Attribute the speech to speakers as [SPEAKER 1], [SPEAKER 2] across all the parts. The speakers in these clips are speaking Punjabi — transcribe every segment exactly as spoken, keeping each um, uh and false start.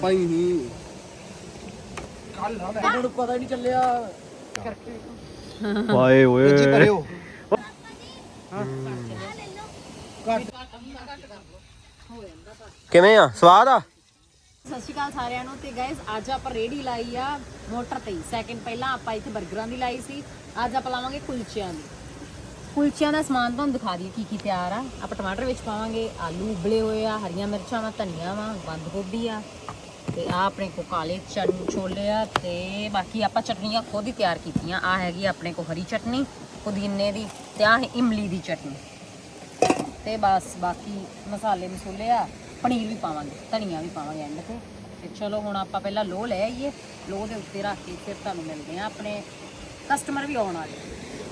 [SPEAKER 1] ਭਾਈ ਨਹੀਂ ਕੱਲ ਨਾ ਮੈਨੂੰ ਪਤਾ ਨਹੀਂ ਚੱਲਿਆ ਕਰਕੇ
[SPEAKER 2] ਵਾਏ ਓਏ
[SPEAKER 1] ਜੀ ਭਰਿਓ
[SPEAKER 2] ਕਿਵੇਂ ਆ ਸਵਾਦ ਆ।
[SPEAKER 3] ਸਤਿ ਸ਼੍ਰੀ ਅਕਾਲ ਸਾਰਿਆਂ ਨੂੰ। ਤੇ ਗਾਇਸ ਅੱਜ ਆਪਾਂ ਰੇੜੀ ਲਾਈ ਆ ਮੋਟਰ ਤੇ। ਸੈਕਿੰਡ ਪਹਿਲਾਂ ਆਪਾਂ ਇੱਥੇ 버ਗਰਾਂ ਦੀ ਲਾਈ ਸੀ, ਅੱਜ ਆਪਾਂ ਲਾਵਾਂਗੇ ਕੁਲਚਿਆਂ ਦੀ। ਕੁਲਚਿਆਂ ਦਾ ਸਮਾਨ ਤੁਹਾਨੂੰ ਦਿਖਾ ਦਈਏ ਕੀ ਕੀ ਤਿਆਰ ਆ। ਆਪਾਂ ਟਮਾਟਰ ਵਿੱਚ ਪਾਵਾਂਗੇ, ਆਲੂ ਉਬਲੇ ਹੋਏ ਆ, ਹਰੀਆਂ ਮਿਰਚਾਂ ਵਾ, ਧਨੀਆ ਵਾ, ਬੰਦ ਗੋਭੀ ਆ, ਤੇ ਆ ਆਪਣੇ ਕੋ ਕਾਲੇ ਚਨ ਛੋਲੇ ਆ, ਤੇ ਬਾਕੀ ਆਪਾਂ ਚਟਨੀਆਂ ਖੁਦ ਹੀ ਤਿਆਰ ਕੀਤੀਆਂ। ਆ ਹੈਗੀ ਆਪਣੇ ਕੋ ਹਰੀ ਚਟਨੀ ਪੁਦੀਨੇ ਦੀ, ਤੇ ਆ ਹੈ ਇਮਲੀ ਦੀ ਚਟਨੀ, ਤੇ ਬਸ ਬਾਕੀ ਮਸਾਲੇ ਮਸੂਲੇ ਆ। ਪਨੀਰ ਵੀ ਪਾਵਾਂਗੇ, ਧਨੀਆ ਵੀ ਪਾਵਾਂਗੇ ਐਂਡ ਤੇ। ਤੇ ਚਲੋ ਹੁਣ ਆਪਾਂ ਪਹਿਲਾਂ ਲੋਹ ਲੈ ਆਈਏ, ਲੋਹ ਦੇ ਉੱਤੇ ਰੱਖ ਕੇ ਫਿਰ ਤੁਹਾਨੂੰ ਮਿਲਦੇ ਆ। ਆਪਣੇ ਕਸਟਮਰ ਵੀ ਆਉਣ ਵਾਲੇ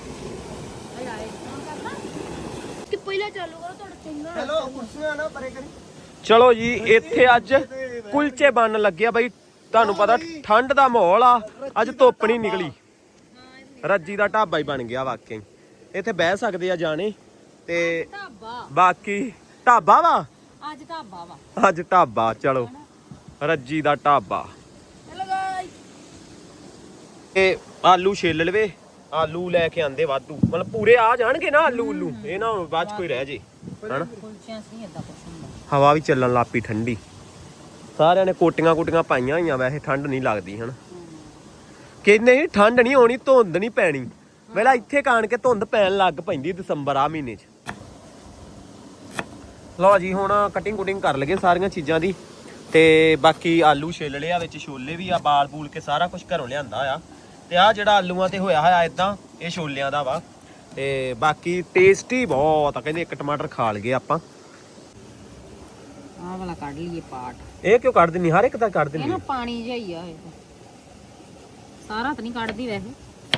[SPEAKER 4] ਕਿ ਪਹਿਲਾਂ ਚਾਲੂ ਕਰੋ ਤੁਹਾਡਾ ਚੰਗਾ।
[SPEAKER 1] ਚਲੋ ਕੁਰਸੀਆਂ ਨਾ ਪਰੇ ਕਰੀ।
[SPEAKER 2] ਚਲੋ ਜੀ ਇੱਥੇ ਅੱਜ ਕੁਲਚੇ ਬਣਨ ਲੱਗਿਆ ਬਈ। ਤੁਹਾਨੂੰ ਪਤਾ ਠੰਡ ਦਾ ਮਾਹੌਲ ਆ, ਅੱਜ ਧੁੱਪ ਨਹੀਂ ਨਿਕਲੀ। ਰੱਜੀ ਦਾ ਢਾਬਾ ਹੀ ਬਣ ਗਿਆ ਵਾਕਈ। ਇੱਥੇ ਬਹਿ ਸਕਦੇ ਆ ਜਾਣੇ, ਤੇ
[SPEAKER 3] ਢਾਬਾ
[SPEAKER 2] ਬਾਕੀ ਢਾਬਾ ਵਾ
[SPEAKER 3] ਅੱਜ ਢਾਬਾ ਵਾ
[SPEAKER 2] ਅੱਜ ਢਾਬਾ। ਚਲੋ ਰੱਜੀ ਦਾ ਢਾਬਾ।
[SPEAKER 4] ਚਲੋ ਗਾਇਸ
[SPEAKER 2] ਇਹ ਆਲੂ ਛਿੱਲ ਲਵੇ, ਆਲੂ ਲੈ ਕੇ ਆਂਦੇ ਵਾਧੂ, ਮਤਲਬ ਪੂਰੇ ਆ ਜਾਣਗੇ ਨਾ ਆਲੂ ਉਲੂ, ਇਹ ਨਾ ਬਾਅਦ ਚ ਕੋਈ ਰਹਿ ਜੇ ਹਨਾ।
[SPEAKER 3] ਕੁਲਚਿਆਂ ਸੀ ਇਦਾਂ ਕੁਛ ਹੁੰਦਾ।
[SPEAKER 2] ਹਵਾ ਵੀ ਚੱਲਣ ਲੱਗ ਪਈ ਠੰਡੀ। ਸਾਰਿਆਂ ਨੇ ਕੋਟੀਆਂ ਕੋਟੀਆਂ ਪਾਈਆਂ ਹੋਈਆਂ, ਵੈਸੇ ਠੰਡ ਨਹੀਂ ਲੱਗਦੀ ਹਨ। ਕਿ ਨਹੀਂ ਠੰਡ ਨਹੀਂ ਹੋਣੀ, ਧੁੰਦ ਨਹੀਂ ਪੈਣੀ। ਵੇਲਾ ਇੱਥੇ ਕਾਣ ਕੇ ਧੁੰਦ ਪੈਣ ਲੱਗ ਪੈਂਦੀ ਦਸੰਬਰ ਆ ਮਹੀਨੇ ਚ। ਲਓ ਜੀ ਹੁਣ ਕਟਿੰਗ ਕੁਟਿੰਗ ਕਰ ਲਗੇ ਸਾਰੀਆਂ ਚੀਜ਼ਾਂ ਦੀ, ਤੇ ਬਾਕੀ ਆਲੂ ਛਿੱਲ ਲਿਆ, ਵਿੱਚ ਛੋਲੇ ਵੀ ਆ, ਬਾਲ ਬੂਲ ਕੇ ਸਾਰਾ ਕੁਝ ਘਰੋਂ ਲਿਆਂਦਾ ਆ। ਤੇ ਆ ਜਿਹੜਾ ਆਲੂਆਂ ਤੇ ਹੋਇਆ ਹੋਇਆ ਇਦਾਂ, ਇਹ ਛੋਲਿਆਂ ਦਾ ਵਾ। ਤੇ ਬਾਕੀ ਟੇਸਟੀ ਬਹੁਤ ਆ, ਕਹਿੰਦੇ ਇੱਕ ਟਮਾਟਰ ਖਾ ਲਗੇ ਆਪਾਂ।
[SPEAKER 3] ਆਹ ਵਾਲਾ ਕੱਢ ਲਈਏ ਪਾਰਟ।
[SPEAKER 2] ਇਹ ਕਿਉਂ ਕੱਢ ਦਿੰਨੀ? ਹਰ ਇੱਕ ਦਾ ਕੱਢ
[SPEAKER 3] ਇਹ
[SPEAKER 2] ਦਿੰਨੀ
[SPEAKER 3] ਨਾ ਪਾਣੀ ਜਿਹਾ ਹੀ ਆ, ਇਹ ਤਾਂ ਸਾਰਾ ਤਾਂ ਨਹੀਂ ਕੱਢਦੀ ਵੈਸੇ।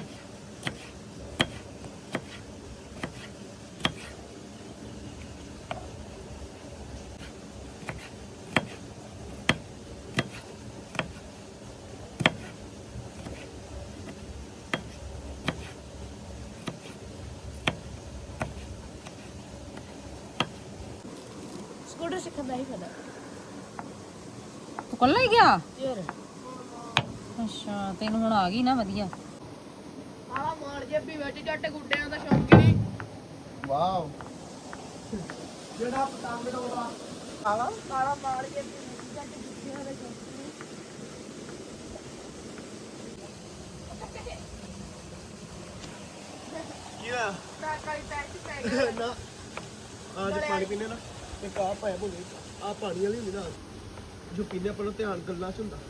[SPEAKER 4] ਸਕੂਟਰ ਸਿੱਖਦਾ ਹੀ ਫਦਾ
[SPEAKER 3] ਤੂੰ ਕੱਲਾ ਹੀ ਗਿਆ?
[SPEAKER 4] ਯਾਰ
[SPEAKER 3] ਅੱਛਾ ਤੈਨੂੰ ਹੁਣ ਆ ਗਈ ਨਾ ਵਧੀਆ।
[SPEAKER 4] ਆਹ ਮਾਰ ਜੇਬੀ ਵਿੱਚ ਜੱਟ ਗੁੱਡਿਆਂ ਦਾ ਸ਼ੌਂਕੀ ਨਹੀਂ।
[SPEAKER 1] ਵਾਓ ਜਿਹੜਾ ਪਤੰਗ ਡੋਲਾ ਆਲਾ
[SPEAKER 4] ਕਾਲਾ ਮਾਰ ਜੇਬੀ ਵਿੱਚ ਜੱਟ ਗੁੱਡਿਆਂ ਦਾ ਸ਼ੌਂਕੀ ਨਹੀਂ।
[SPEAKER 1] ਕੀ ਆ
[SPEAKER 4] ਮੈਂ ਕਾਈ ਟੈਕਸੀ ਪੈ ਗਿਆ
[SPEAKER 1] ਨਾ ਅੱਜ ਪਾਣੀ ਪੀਨੇ ਨਾ ਤੇ ਕਾਹ ਪਾਇਆ ਬੋਲੇ ਆ ਪਾਣੀ ਵਾਲੀ ਹੁੰਦੀ ਨਾ, ਜੋ ਪੀਨੇ ਆਪਾਂ ਨੂੰ ਧਿਆਨ ਗੱਲਾਂ ਚ ਹੁੰਦਾ।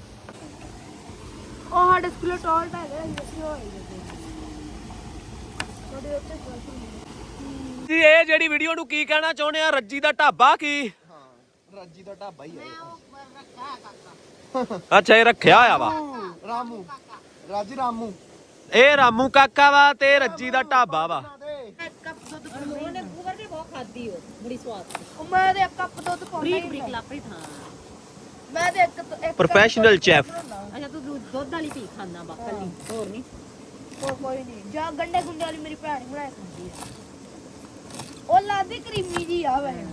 [SPEAKER 4] ਉਹ ਸਾਡੇ ਸਕੂਲ ਟਾਲਟ ਹੈਗਾ, ਅਸੀਂ ਹੋਏ ਜਾਂਦੇ ਤੁਹਾਡੇ ਉੱਤੇ ਕਾਫੀ
[SPEAKER 2] ਜੀ ਇਹ ਜਿਹੜੀ ਵੀਡੀਓ ਨੂੰ ਕੀ ਕਹਿਣਾ ਚਾਹੁੰਦੇ ਆ? ਰੱਜੀ ਦਾ ਢਾਬਾ ਕੀ?
[SPEAKER 1] ਹਾਂ ਰੱਜੀ ਦਾ ਢਾਬਾ ਹੀ ਹੈ।
[SPEAKER 2] ਅੱਛਾ ਇਹ ਰੱਖਿਆ ਹੋਇਆ ਵਾ।
[SPEAKER 1] ਰਾਮੂ ਰਾਜੀ ਰਾਮੂ
[SPEAKER 2] ਇਹ ਰਾਮੂ ਕਾਕਾ ਵਾ, ਤੇ ਰੱਜੀ ਦਾ ਢਾਬਾ ਵਾ।
[SPEAKER 4] ਇੱਕ ਕੱਪ ਦੁੱਧ
[SPEAKER 3] ਉਹਨੇ ਬੂਵਰ ਦੀ ਬਹੁਤ ਖਾਦੀ ਉਹ ਬੜੀ ਸਵਾਦ।
[SPEAKER 4] ਉਹ ਮੈਂ ਤੇ ਇੱਕ ਕੱਪ ਦੁੱਧ ਪਾਉਂਦਾ
[SPEAKER 3] ਬਰੀਕ
[SPEAKER 4] ਹੀ
[SPEAKER 3] ਬਰੀਕ
[SPEAKER 4] ਨਹੀਂ।
[SPEAKER 3] ਲਾਪਰੀ ਥਾਂ।
[SPEAKER 4] ਮੈਂ ਤੇ ਇੱਕ ਇੱਕ
[SPEAKER 2] ਪ੍ਰੋਫੈਸ਼ਨਲ ਚੈਫ।
[SPEAKER 3] ਅੱਛਾ ਤੂੰ ਦੁੱਧ ਦੁੱਧ ਵਾਲੀ ਪੀ ਖਾਂਦਾ ਬਾ ਕੱਲੀ, ਹੋਰ ਨਹੀਂ?
[SPEAKER 4] ਉਹ ਕੋਈ ਨਹੀਂ, ਜਾਂ ਗੰਡੇ ਗੁੰਡੇ ਵਾਲੀ ਮੇਰੀ ਭੈਣ ਬਣਾਇਆ ਖਾਂਦੀ ਆ। ਉਹ ਲਾਦੀ ਕਰੀਮੀ ਜੀ ਆ ਵੈ।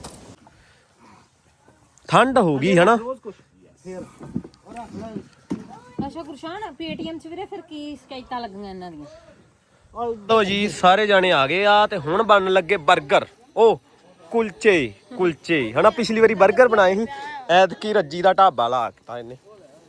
[SPEAKER 2] ਠੰਡ ਹੋ ਗਈ ਹਨਾ।
[SPEAKER 1] ਰੋਜ਼ ਕੁਛ ਫੇਰ ਉਹ ਰੱਖ ਲੈ।
[SPEAKER 3] ਅੱਛਾ ਗੁਰਸ਼ਾਨ ਪੇਟੀਐਮ ਚ ਵੀਰੇ ਫਿਰ ਕੀ ਸ਼ਿਕਾਇਤਾਂ ਲੱਗੀਆਂ ਇਹਨਾਂ ਦੀਆਂ?
[SPEAKER 2] ਲੋ ਜੀ ਸਾਰੇ ਜਾਣੇ ਆ ਗਏ ਆ, ਤੇ ਹੁਣ ਬਣਨ ਲੱਗੇ 버ਗਰ। ਉਹ ਕੁਲਚੇ ਕੁਲਚੇ ਹਨਾ। ਪਿਛਲੀ ਵਾਰੀ 버ਗਰ ਬਣਾਏ ਸੀ, ਐਤਕੀ ਰੱਜੀ ਦਾ ਢਾਬਾ ਲਾ ਦਿੱਤਾ ਇਹਨੇ।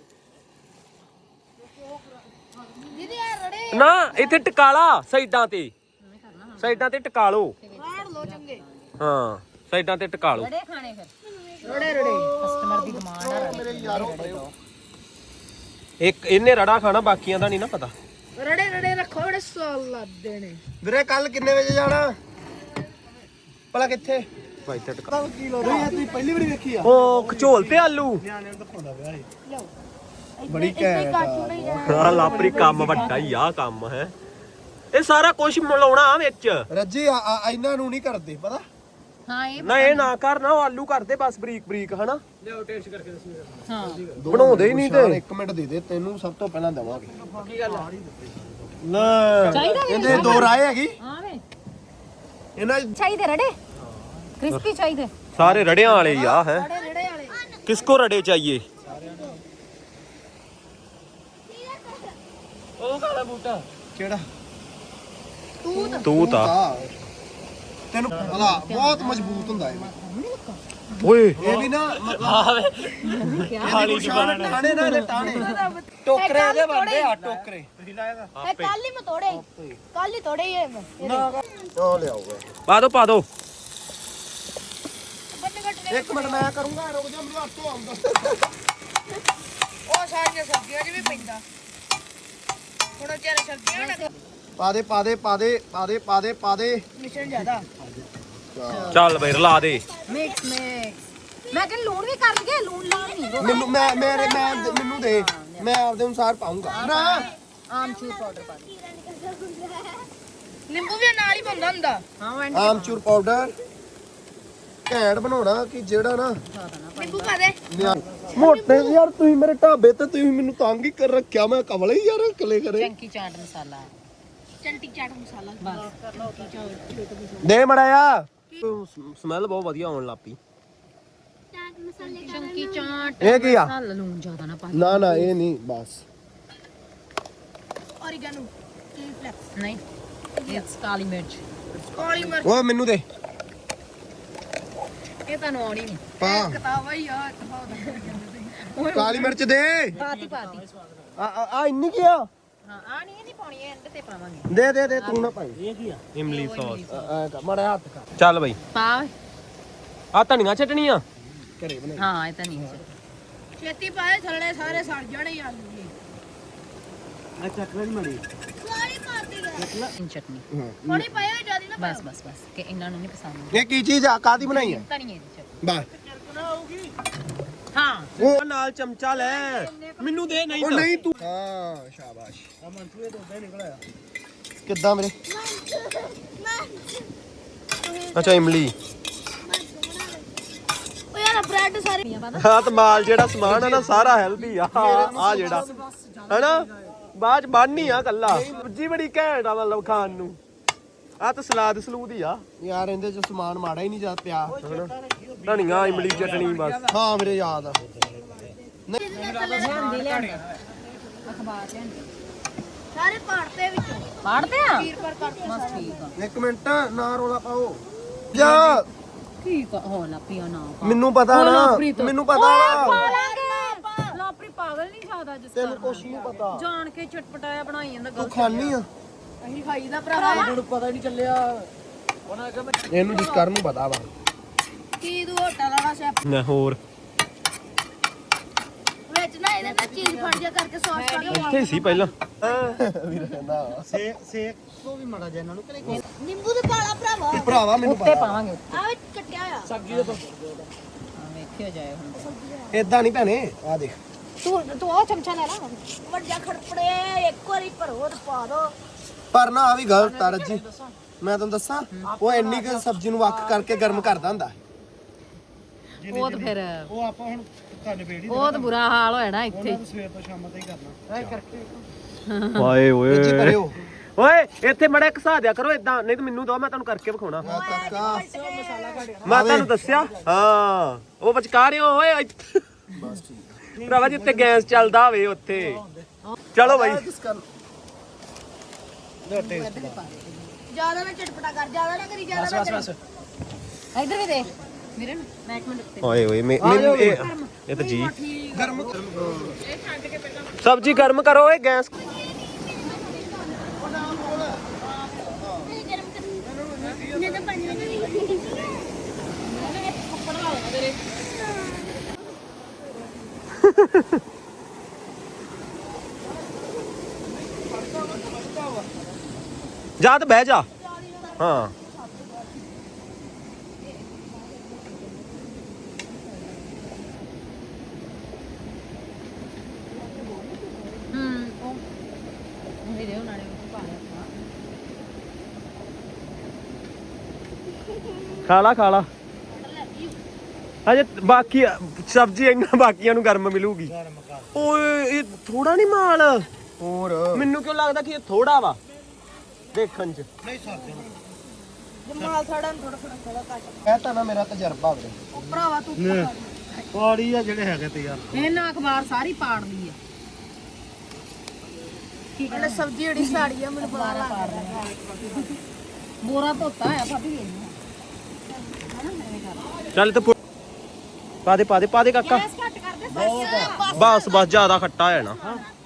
[SPEAKER 4] ਦੀਦੀ ਆ ਰੜੇ
[SPEAKER 2] ਨਾ ਇੱਥੇ ਟਕਾਲਾ ਸਾਈਡਾਂ ਤੇ, ਸਾਈਡਾਂ ਤੇ ਟਕਾ ਲਓ।
[SPEAKER 4] ਰਾੜ ਲੋ ਚੰਗੇ।
[SPEAKER 2] ਹਾਂ ਸਾਈਡਾਂ ਤੇ ਟਕਾ ਲਓ।
[SPEAKER 3] ਰੜੇ ਖਾਣੇ ਫਿਰ
[SPEAKER 4] ਰੜੇ ਰੜੇ
[SPEAKER 3] ਕਸਟਮਰ ਦੀ ਡਿਮਾਂਡ ਆ।
[SPEAKER 1] ਮੇਰੇ ਯਾਰੋ ਪਰਿਓ
[SPEAKER 2] ਇੱਕ ਇਹਨੇ ਰੜਾ ਖਾਣਾ, ਬਾਕੀਆਂ ਦਾ ਨਹੀਂ ਨਾ ਪਤਾ।
[SPEAKER 4] ਰੜੇ ਰੜੇ ਰੱਖੋ, ਬੜੇ ਸਵਾਦ ਲੱਗਦੇ ਨੇ।
[SPEAKER 1] ਵੀਰੇ ਕੱਲ ਕਿੰਨੇ ਵਜੇ ਜਾਣਾ ਭਲਾ? ਕਿੱਥੇ
[SPEAKER 2] ਭਾਈ ਤੇ ਟਕਾ।
[SPEAKER 1] ਕੀ ਲੋ ਰਹੀ ਹੈ? ਤੁਸੀਂ ਪਹਿਲੀ ਵਾਰੀ ਵੇਖੀ ਆ?
[SPEAKER 2] ਉਹ ਖਚੋਲ ਤੇ ਆਲੂ।
[SPEAKER 1] ਨਿਆਣਿਆਂ ਨੂੰ ਦਿਖਾਉਂਦਾ ਪਿਆ ਇਹ
[SPEAKER 4] ਲਓ
[SPEAKER 1] ਬੜੀ
[SPEAKER 4] ਇੱਥੇ
[SPEAKER 1] ਘੈਂਟ ਆ।
[SPEAKER 4] ਕਾਟੂ ਨਹੀਂ ਜਾਣਾ।
[SPEAKER 2] ਹਾਂ ਲਾਪਰੀ ਕੰਮ ਵੱਡਾ ਹੀ ਆ ਕੰਮ ਹੈ। ਇਹ ਸਾਰਾ ਕੁਝ ਮਿਲਾਉਣਾ ਵਿੱਚ।
[SPEAKER 1] ਰੱਜੀ ਆ ਆ- ਇਹਨਾਂ ਨੂੰ ਨਹੀਂ ਕਰਦੇ ਪਤਾ।
[SPEAKER 3] ਹਾਂ ਇਹ
[SPEAKER 2] ਨਾ ਇਹ ਨਾ ਕਰ, ਨਾ ਉਹ ਆਲੂ ਕਰਦੇ ਬਸ ਬਰੀਕ ਬਰੀਕ ਹਨਾ।
[SPEAKER 3] ਹਾਂ
[SPEAKER 2] ਬਣਾਉਂਦੇ ਹੀ ਨਹੀਂ ਤੇ।
[SPEAKER 1] ਇੱਕ ਮਿੰਟ ਦੇ ਦੇ, ਤੈਨੂੰ ਸਭ ਤੋਂ ਪਹਿਲਾਂ ਦੇਵਾਂਗੇ।
[SPEAKER 2] ਕੀ ਗੱਲ
[SPEAKER 1] ਨਾ
[SPEAKER 3] ਚਾਹੀਦਾ ਵੀ
[SPEAKER 1] ਇਹਦੇ ਦੋ ਰਾਏ ਹੈਗੀ
[SPEAKER 3] ਹਾਂ ਵੇ
[SPEAKER 1] ਇਹਨਾਂ
[SPEAKER 3] ਚਾਹੀਦੇ ਰੜੇ ਕ੍ਰਿਸਪੀ ਚਾਹੀਦੇ।
[SPEAKER 2] ਸਾਰੇ ਰੜਿਆਂ ਵਾਲੇ ਹੀ ਆ ਹੈ।
[SPEAKER 4] ਰੜੇ ਰੜੇ ਵਾਲੇ
[SPEAKER 2] ਕਿਸਕੋ ਰੜੇ ਚਾਹੀਏ? ਉਹ ਕਾਲਾ ਬੂਟਾ
[SPEAKER 1] ਕਿਹੜਾ
[SPEAKER 4] ਤੂੰ ਤਾਂ
[SPEAKER 2] ਤੂੰ ਤਾਂ
[SPEAKER 1] ਤੈਨੂੰ ਹਲਾ ਬਹੁਤ ਮਜ਼ਬੂਤ ਹੁੰਦਾ ਇਹ
[SPEAKER 2] ਓਏ
[SPEAKER 1] ਇਹ ਵੀ ਨਾ ਮਤਲਬ ਖਾਲੀ ਜ਼ਬਾਨ ਟਾਣੇ ਨਾ ਇਹਦੇ ਟਾਣੇ ਟੋਕਰੇ ਇਹਦੇ ਬਣਦੇ ਆ ਟੋਕਰੇ ਤੁਸੀਂ ਲਾਏਗਾ
[SPEAKER 4] ਇਹ ਕੱਲ ਹੀ ਮੈਂ ਤੋੜੇ ਕੱਲ ਹੀ ਤੋੜੇ ਇਹ ਮੈਂ
[SPEAKER 1] ਨਾ ਉਹ ਲਿਆਓਗੇ
[SPEAKER 2] ਪਾ ਦੋ ਪਾ ਦੋ
[SPEAKER 4] ਬੰਨੇ ਕੱਟਨੇ
[SPEAKER 1] ਇੱਕ ਮਿੰਟ ਮੈਂ ਕਰੂੰਗਾ ਰੁਕ ਜਾ ਮੈਨੂੰ ਹੱਥੋਂ ਆਉਂਦਾ
[SPEAKER 4] ਉਹ ਸਾਰੀਆਂ ਸਬਜ਼ੀਆਂ 'ਚ ਵੀ ਪੈਂਦਾ ਹੁਣ ਚਾਰੇ ਸਬਜ਼ੀਆਂ ਨਾ
[SPEAKER 1] ਪਾ ਦੇ ਪਾ ਦੇ ਪਾ ਦੇ ਪਾ ਦੇ ਪਾ ਦੇ ਪਾ ਦੇ
[SPEAKER 4] ਮਿਸ਼ਨ ਜ਼ਿਆਦਾ
[SPEAKER 2] ਚੱਲ ਬਈ ਰਲਾ ਦੇ
[SPEAKER 3] ਮਿਕਸ ਮਿਕਸ ਮੈਂ ਕਹਿੰਦਾ ਲੂਣ ਵੀ ਕਰ ਲਈਏ ਲੂਣ ਲਾਉਣ ਨਹੀਂ
[SPEAKER 1] ਮੈਨੂੰ ਮੈਂ ਮੇਰੇ ਮੈਂ ਮੈਨੂੰ ਦੇ ਮੈਂ ਆਪਦੇ ਅਨੁਸਾਰ ਪਾਉਂਗਾ ਨਾ
[SPEAKER 3] ਆਮਚੂਰ ਪਾਊਡਰ ਪਾ ਦੇ
[SPEAKER 4] ਨਿੰਬੂ ਵੀ ਨਾਲ ਹੀ ਪਾਉਂਦਾ ਹੁੰਦਾ
[SPEAKER 3] ਹਾਂ ਵੈਂਡ
[SPEAKER 1] ਆਮਚੂਰ ਪਾਊਡਰ ਘੈਂਟ ਬਣਾਉਣਾ ਕਿ ਜਿਹੜਾ ਨਾ
[SPEAKER 4] ਨਿੰਬੂ ਪਾ ਦੇ
[SPEAKER 1] ਮੋਟੇ ਯਾਰ ਤੁਸੀਂ ਮੇਰੇ ਢਾਬੇ ਤੇ ਤੁਸੀਂ ਮੈਨੂੰ ਤੰਗ ਹੀ ਕਰ ਰੱਖਿਆ ਮੈਂ ਕਮਲੇ ਹੀ ਯਾਰ ਕਲੇ ਕਰੇ
[SPEAKER 3] ਚੰਕੀ ਚਾਟ ਮਸਾਲਾ
[SPEAKER 4] ਚੰਟੀ ਚਾਟ ਮਸਾਲਾ
[SPEAKER 3] ਬਸ
[SPEAKER 1] ਦੇ ਮੜਾਇਆ ਸਮੈਲ ਬਹੁਤ ਵਧੀਆ ਆਉਣ ਲੱਪੀ
[SPEAKER 4] ਚਾਟ ਮਸਾਲੇ
[SPEAKER 3] ਚੰਕੀ ਚਾਟ
[SPEAKER 1] ਇਹ ਕੀ ਆ
[SPEAKER 3] ਮਸਾਲਾ ਲੂਣ ਜ਼ਿਆਦਾ ਨਾ ਪਾ
[SPEAKER 1] ਨਾ ਨਾ ਇਹ ਨਹੀਂ ਬਸ
[SPEAKER 4] ਔਰੀਗਾਨੋ ਚਿਲੀ ਫਲੈਕਸ
[SPEAKER 3] ਨਹੀਂ ਇਟਸ ਕਾਲੀ ਮਿਰਚ
[SPEAKER 4] ਕਾਲੀ ਮਿਰਚ
[SPEAKER 1] ਓਏ ਮੈਨੂੰ ਦੇ
[SPEAKER 3] ਇਹ ਤੁਹਾਨੂੰ ਆਉਣੀ ਨਹੀਂ
[SPEAKER 1] ਪਾ
[SPEAKER 4] ਕਿਤਾਬ ਹੀ ਆ
[SPEAKER 1] ਕਾਲੀ ਮਿਰਚ ਦੇ
[SPEAKER 3] ਪਾਤੀ ਪਾਤੀ
[SPEAKER 1] ਆ ਆ- ਆ ਇੰਨੀ ਕੀ ਆ
[SPEAKER 3] ਹਾਂ ਆ ਨਹੀਂ ਇਹ ਨਹੀਂ ਪਾਉਣੀ ਇਹ ਐਂਡ ਤੇ ਪਾਵਾਂਗੇ
[SPEAKER 1] ਦੇ ਦੇ ਦੇ ਤੂੰ ਨਾ ਭਾਈ ਇਹ ਕੀ ਆ
[SPEAKER 2] ਇਮਲੀ ਸੌਸ
[SPEAKER 1] ਐ ਕਰ ਮੜਾ ਹੱਥ ਕਰ
[SPEAKER 2] ਚੱਲ ਬਈ
[SPEAKER 3] ਪਾ
[SPEAKER 2] ਆ ਧਨੀਆ ਚਟਣੀ ਆ
[SPEAKER 1] ਘਰੇ ਬਣਾ
[SPEAKER 3] ਹਾਂ ਇਹ ਤਾਂ ਨਹੀਂ
[SPEAKER 4] ਛੇਤੀ ਪਾਏ ਥੱਲੇ ਸਾਰੇ ਸੜ ਜਾਣੇ ਆਲੂ ਜੀ
[SPEAKER 1] ਆ ਚੱਕਰ ਨਹੀਂ ਮੜੀ
[SPEAKER 4] ਸਾਰੀ ਮਾਰਦੀ ਗਿਆ
[SPEAKER 3] ਇਨ ਚਟਨੀ
[SPEAKER 1] ਹਾਂ
[SPEAKER 4] ਥੋੜੀ ਪਾਏ ਜਿਆਦਾ ਨਾ
[SPEAKER 3] ਬਸ ਬਸ ਬਸ ਕਿ ਇਹਨਾਂ ਨੂੰ ਨਹੀਂ ਪਸੰਦ
[SPEAKER 1] ਇਹ ਕੀ ਚੀਜ਼ ਆ ਕਾਦੀ ਬਣਾਈ ਆ
[SPEAKER 3] ਧਨੀਏ ਦੀ ਚਟਨੀ
[SPEAKER 1] ਬਸ
[SPEAKER 3] ਹਾਂ
[SPEAKER 1] ਉਹ
[SPEAKER 2] ਨਾਲ ਚਮਚਾ ਲੈ ਮੈਨੂੰ ਦੇ ਨਹੀਂ
[SPEAKER 1] ਉਹ ਨਹੀਂ ਤੂੰ ਹਾਂ ਸ਼ਾਬਾਸ਼ ਆ ਮਨਸੂਏ ਤੋਂ ਉੱਤੇ ਨਿਕਲ ਆਇਆ ਕਿੱਦਾਂ ਮੇਰੇ
[SPEAKER 2] ਅੱਛਾ ਇਮਲੀ
[SPEAKER 4] ਉਹ ਯਾਰ ਬ੍ਰੈਡ ਸਾਰੇ
[SPEAKER 2] ਹਾਂ ਤੇ ਮਾਲ ਜਿਹੜਾ ਸਮਾਨ ਆ ਨਾ ਸਾਰਾ ਹੈਲਦੀ ਆ ਆ ਜਿਹੜਾ ਹੈਨਾ ਬਾਅਦ ਚ ਬਣਨੀ ਆ ਕੱਲਾ ਸਬਜੀ ਬੜੀ ਘੈਂਟ ਆ ਮਤਲਬ ਖਾਣ ਨੂੰ ਆ ਤਾਂ ਸਲਾਦ ਸਲੂਦ ਹੀ ਆ
[SPEAKER 1] ਯਾਰ ਇਹਦੇ ਚ ਸਮਾਨ ਮਾੜਾ ਹੀ ਨਹੀਂ ਜਾ ਪਿਆ
[SPEAKER 2] ਧਨੀਆ ਇਮਲੀ ਚਟਣੀ ਬਸ
[SPEAKER 1] ਹਾਂ ਮੇਰੇ ਯਾਦ ਆ
[SPEAKER 3] ਲਿਆਂਦੀ ਲਿਆਂਦੀ ਅਖਬਾਰ ਲਿਆਂਦੀ
[SPEAKER 4] ਸਾਰੇ ਪਾੜਤੇ ਵਿੱਚੋਂ
[SPEAKER 3] ਪੜਦੇ ਆ
[SPEAKER 4] ਵੀਰ ਪਰ ਕਰਤੇ
[SPEAKER 3] ਬਸ ਠੀਕ ਆ
[SPEAKER 1] ਇੱਕ ਮਿੰਟ ਨਾ ਰੋਲਾ ਪਾਓ ਜਾ
[SPEAKER 3] ਠੀਕ ਆ ਹੋ ਨਾ ਪੀਓ ਨਾ ਪਾ
[SPEAKER 1] ਮੈਨੂੰ ਪਤਾ ਨਾ ਮੈਨੂੰ ਪਤਾ ਵਾ
[SPEAKER 3] ਲਾਂਗੇ ਲਾਪਰੀ ਪਾਗਲ ਨਹੀਂ ਜ਼ਿਆਦਾ ਜਿਸ
[SPEAKER 1] ਤੈਨੂੰ ਕੁਛ ਨਹੀਂ ਪਤਾ
[SPEAKER 3] ਜਾਣ ਕੇ ਚਟਪਟਾਇਆ ਬਣਾਈ ਜਾਂਦਾ
[SPEAKER 1] ਤੂੰ
[SPEAKER 3] ਗਲਤ
[SPEAKER 1] ਖਾਣੀ ਆ
[SPEAKER 4] ਅਸੀਂ ਖਾਈ ਦਾ ਭਰਾਵਾ
[SPEAKER 1] ਮੈਨੂੰ ਪਤਾ ਹੀ ਨਹੀਂ ਚੱਲਿਆ ਇਹਨੂੰ ਜਿਸ ਕਰਨ ਨੂੰ ਪਤਾ ਵਾ
[SPEAKER 4] ਕੀ ਤੂੰ ਹੋਟਲ ਵਾਲਾ ਸ਼ੈਫ
[SPEAKER 2] ਨਾ ਹੋਰ
[SPEAKER 4] ਵਿੱਚ ਨਾ ਇਹਦੇ ਨਾਲ ਚੀਜ਼ ਫੜ ਜਾ ਕਰਕੇ ਸੌਸ ਪਾ ਕੇ
[SPEAKER 2] ਇੱਥੇ ਹੀ ਸੀ ਪਹਿਲਾਂ
[SPEAKER 1] ਵੀਰ ਕਹਿੰਦਾ ਸੇ ਸੇ ਤੋਂ ਵੀ ਮਾੜਾ ਜਿਹਾ ਇਹਨਾਂ ਨੂੰ ਕਰੇ
[SPEAKER 4] ਨਿੰਬੂ ਦੇ ਪਾਲਾ ਭਰਾਵਾ
[SPEAKER 1] ਭਰਾਵਾ ਮੈਨੂੰ
[SPEAKER 3] ਉੱਤੇ
[SPEAKER 1] ਪਤਾ
[SPEAKER 3] ਪਾਵਾਂਗੇ ਉੱਤੇ
[SPEAKER 4] ਆ ਵਿੱਚ ਕੱਟਿਆ ਆ
[SPEAKER 1] ਸਬਜ਼ੀ ਦੇ
[SPEAKER 3] ਹਾਂ ਵੇਖਿਓ ਜਾਏ ਹੁਣ
[SPEAKER 1] ਇਦਾਂ ਨਹੀਂ ਭੈਣੇ ਆ ਦੇਖ
[SPEAKER 3] ਤੂੰ ਤੂੰ ਉਹ ਚਮਚਾ ਲੈ ਲਾ
[SPEAKER 4] ਵੱਡਾ ਖੜਪੜੇ ਇੱਕ ਵਾਰੀ ਭਰੋ ਤੇ ਪਾ ਦੋ
[SPEAKER 1] ਪਰ ਨਾ ਆ ਵੀ ਗਲਤ ਆ ਰੱਜੀ ਮੈਂ ਤੁਹਾਨੂੰ ਦੱਸਾਂ ਉਹ ਇੰਨੀ ਕੁ ਸਬਜ਼ੀ ਨੂੰ ਵੱਖ ਕਰਕੇ ਗਰਮ ਕਰਦਾ ਹੁੰਦਾ
[SPEAKER 3] ਉਹ ਤਾਂ ਫਿਰ
[SPEAKER 1] ਉਹ ਆਪਾਂ ਹੁਣ ਤੁਹਾਡੇ ਬੇੜੀ
[SPEAKER 3] ਉਹ ਤਾਂ ਬੁਰਾ ਹਾਲ ਹੋਇਆ ਨਾ ਇੱਥੇ
[SPEAKER 1] ਸਵੇਰ ਤੋਂ ਸ਼ਾਮ ਤੱਕ ਹੀ ਕਰਨਾ ਐ ਕਰਕੇ
[SPEAKER 2] ਹਾਏ
[SPEAKER 1] ਜੀ
[SPEAKER 2] ਓਏ
[SPEAKER 1] ਭਰਿਓ
[SPEAKER 2] ਓਏ ਇੱਥੇ ਮੜਾ ਘਸਾ ਦਿਆ ਕਰੋ ਇਦਾਂ ਨਹੀਂ ਤਾਂ ਮੈਨੂੰ ਦੋ ਮੈਂ ਤੁਹਾਨੂੰ ਕਰਕੇ ਵਿਖਾਉਣਾ
[SPEAKER 1] ਆ ਕਾਕਾ
[SPEAKER 2] ਮੈਂ ਤੁਹਾਨੂੰ ਦੱਸਿਆ ਹਾਂ ਉਹ ਵਿਚਕਾਰਿਓ ਓਏ ਇੱਥੇ।
[SPEAKER 1] ਬਸ ਠੀਕ
[SPEAKER 2] ਭਰਾਵਾ ਜਿੱਥੇ ਗੈਸ ਚੱਲਦਾ ਹੋਵੇ ਉੱਥੇ ਚਲੋ ਬਾਈ
[SPEAKER 1] ਕਿਸ ਕਰ
[SPEAKER 4] ਜਿਆਦਾ ਨਾ ਚਟਪਟਾ ਕਰ ਜਿਆਦਾ ਨਾ ਕਰੀ ਜਿਆਦਾ ਨਾ ਕਰੀ
[SPEAKER 3] ਇੱਧਰ ਵੀ ਦੇਖ ਵੀਰੇ ਮੈਂ ਇੱਕ ਮਿੰਟ ਉੱਤੇ
[SPEAKER 2] ਓਏ ਓਏ ਮੈਂ ਮੈਨੂੰ ਇਹ ਇਹ ਤਾਂ ਜੀ
[SPEAKER 1] ਗਰਮ
[SPEAKER 2] ਸਬਜ਼ੀ ਗਰਮ ਕਰੋ ਓਏ ਗੈਸ
[SPEAKER 4] ਨੇ ਤਾਂ ਪੰਜ ਮਿੰਟ
[SPEAKER 2] ਜਾ ਤੇ ਬਹਿ ਜਾ ਹਾਂ
[SPEAKER 3] ਹੂੰ ਉਹ ਵੀਰੇ ਉਹਨਾਂ ਨੇ ਉਹ ਪਾ ਲਿਆ
[SPEAKER 2] ਖਾ ਲਾ ਖਾ ਲਾ ਅਜੇ ਬਾਕੀ ਸਬਜ਼ੀ ਇਹਨਾਂ ਬਾਕੀਆਂ ਨੂੰ ਗਰਮ ਮਿਲੂਗੀ ਓਏ ਇਹ ਥੋੜਾ ਨਹੀਂ ਮਾਲ
[SPEAKER 1] ਹੋਰ
[SPEAKER 2] ਮੈਨੂੰ ਕਿਉਂ ਲੱਗਦਾ ਕਿ ਇਹ ਥੋੜਾ ਵਾ ਦੇਖਣ ਚ
[SPEAKER 1] ਨਹੀਂ ਸਕਦੇ
[SPEAKER 4] ਜਮਾਲ ਥੋੜਾ ਥੋੜਾ ਥੋੜਾ ਥੋੜਾ ਘੱਟ
[SPEAKER 1] ਕਹਤਾ ਨਾ ਮੇਰਾ ਤਜਰਬਾ ਵੀਰੇ
[SPEAKER 4] ਉਹ ਭਰਾਵਾ ਤੂੰ
[SPEAKER 1] ਪਾੜੀ ਆ ਜਿਹੜੇ ਹੈਗੇ ਤੇ ਯਾਰ
[SPEAKER 3] ਇਹਨਾਂ ਅਖਬਾਰ ਸਾਰੀ ਪਾੜਦੀ ਹੈ ਕੀ
[SPEAKER 4] ਮੈਨੇ ਸਬਜ਼ੀ ਜਿਹੜੀ ਸਾੜੀ ਆ ਮੈਨੂੰ ਬੜਾ
[SPEAKER 3] ਅਖਬਾਰਾਂ ਪਾੜ ਰਹੀ ਹੈ ਬੋਰਾ ਧੋਤਾ ਹੈ ਭਾਬੀ ਇਹਨੂੰ
[SPEAKER 2] ਚੱਲ ਤੇ ਪਾ ਦੇ ਪਾ ਦੇ ਪਾ ਦੇ ਕਾਕਾ
[SPEAKER 3] ਗੈਸ ਘੱਟ ਕਰ ਦੇ
[SPEAKER 2] ਬਸ ਬਸ ਜ਼ਿਆਦਾ ਖੱਟਾ ਹੋ ਜਾਣਾ